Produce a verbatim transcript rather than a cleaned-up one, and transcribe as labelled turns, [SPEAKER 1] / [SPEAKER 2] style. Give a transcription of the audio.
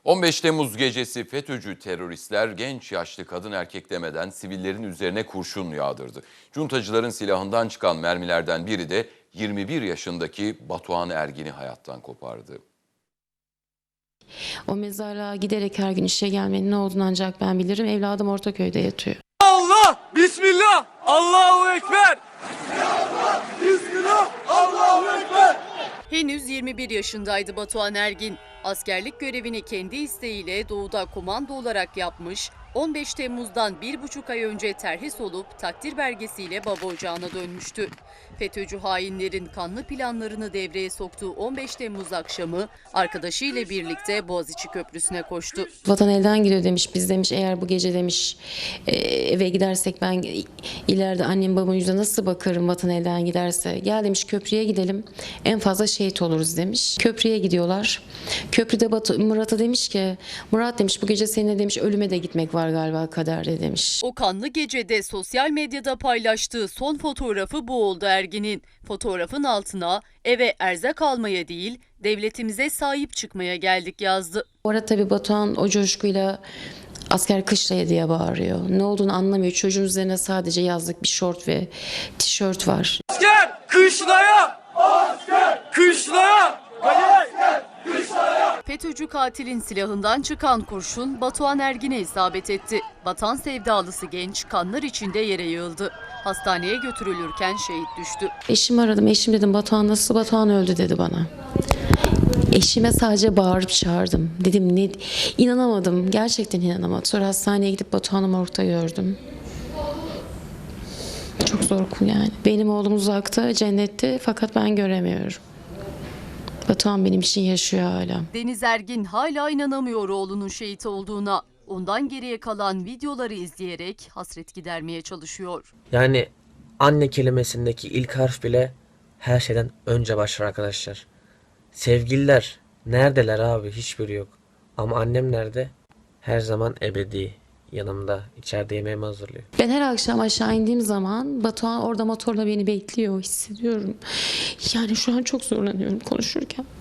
[SPEAKER 1] on beş Temmuz gecesi FETÖ'cü teröristler genç yaşlı kadın erkek demeden sivillerin üzerine kurşun yağdırdı. Cuntacıların silahından çıkan mermilerden biri de yirmi bir yaşındaki Batuhan Ergin'i hayattan kopardı.
[SPEAKER 2] O mezarlığa giderek her gün işe gelmenin ne olduğunu ancak ben bilirim. Evladım Ortaköy'de yatıyor.
[SPEAKER 3] Allah, Bismillah, Allahu Ekber. Bismillah, Bismillah, Allahu Ekber.
[SPEAKER 4] Henüz yirmi bir yaşındaydı Batuhan Ergin. Askerlik görevini kendi isteğiyle doğuda komando olarak yapmış, on beş Temmuz'dan bir buçuk ay önce terhis olup takdir belgesiyle baba ocağına dönmüştü. FETÖ'cü hainlerin kanlı planlarını devreye soktuğu on beş Temmuz akşamı arkadaşıyla birlikte Boğaziçi Köprüsü'ne koştu.
[SPEAKER 2] Vatan elden gidiyor demiş. Biz demiş eğer bu gece demiş e, eve gidersek ben ileride annem babamın yüzüne nasıl bakarım vatan elden giderse. Gel demiş köprüye gidelim. En fazla şehit oluruz demiş. Köprüye gidiyorlar. Köprüde Batu, Murat'a demiş ki Murat demiş bu gece seninle demiş ölüme de gitmek var galiba kaderde demiş.
[SPEAKER 4] O kanlı gecede sosyal medyada paylaştığı son fotoğrafı bu oldu Ergin'in. Fotoğrafın altına eve erzak almaya değil devletimize sahip çıkmaya geldik yazdı.
[SPEAKER 2] Orada tabii Batuhan o coşkuyla asker kışlaya diye bağırıyor. Ne olduğunu anlamıyor. Çocuğun üzerine sadece yazlık bir şort ve tişört var.
[SPEAKER 3] Asker kışlaya, asker kışlaya, asker kışlaya.
[SPEAKER 4] FETÖ'cü katilin silahından çıkan kurşun Batuhan Ergin'e isabet etti. Vatan sevdalısı genç kanlar içinde yere yığıldı. Hastaneye götürülürken şehit düştü.
[SPEAKER 2] Eşimi aradım. Eşim dedim Batuhan nasıl? Batuhan öldü dedi bana. Eşime sadece bağırıp çağırdım. Dedim ne? İnanamadım. Gerçekten inanamadım. Sonra hastaneye gidip Batuhan'ı morgda gördüm. Çok zor yani. Benim oğlum uzakta, cennette fakat ben göremiyorum. Batuhan benim için yaşıyor hala.
[SPEAKER 4] Deniz Ergin hala inanamıyor oğlunun şehit olduğuna. Ondan geriye kalan videoları izleyerek hasret gidermeye çalışıyor.
[SPEAKER 5] Yani anne kelimesindeki ilk harf bile her şeyden önce başlar arkadaşlar. Sevgililer neredeler abi? Hiçbiri yok. Ama annem nerede? Her zaman ebedi. Yanımda. İçeride yemeğimi hazırlıyor.
[SPEAKER 2] Ben her akşam aşağı indiğim zaman Batuhan orada motorla beni bekliyor hissediyorum. Yani şu an çok zorlanıyorum konuşurken.